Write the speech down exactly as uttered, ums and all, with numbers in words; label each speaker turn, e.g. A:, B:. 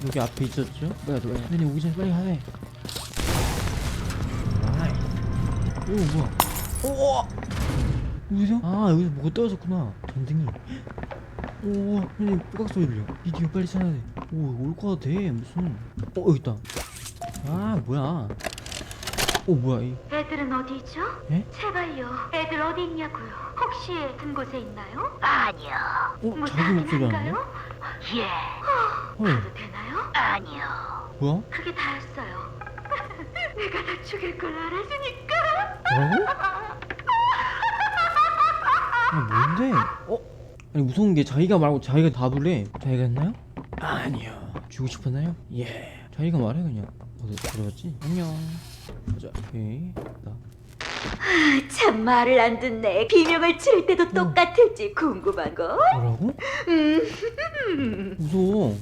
A: 여기 앞에 있었죠? 뭐야 뭐야 선생님 오기 전에 빨리 하네. 아이. 오 뭐야 오 여기서? 아 여기서 뭐가 떨어졌구나 전등이. 오 선생님 뽀각 소리 들려. 비디오 빨리 찾아야 돼. 오올 거 같아 무슨. 어 여기 있다. 아 뭐야. 오 뭐야 이.
B: 애들은 어디 있죠?
A: 예?
B: 제발요. 애들 어디 있냐고요. 혹시 든 곳에 있나요?
C: 아니요.
A: 어 자기 목소리 아닌데?
B: 무사한가요?
C: 예.
A: 헐
B: 가도 되나요?
C: 아니요.
A: 뭐야?
B: 그게 다였어요. 내가 다 죽일 걸 알았으니까.
A: 뭐라고? 아 뭔데? 어? 아니 무서운 게 자기가 말하고 자기가 답을 자기가 했나요? 아니요. 주고 싶었나요? 예. 자기가 말해 그냥. 어디 들어갔지? 안녕. 자, 오케이. 나.
C: 참 말을 안 듣네. 비명을 지를 때도 똑같을지 궁금한 거.
A: 뭐라고?
C: 음.
A: 무서워.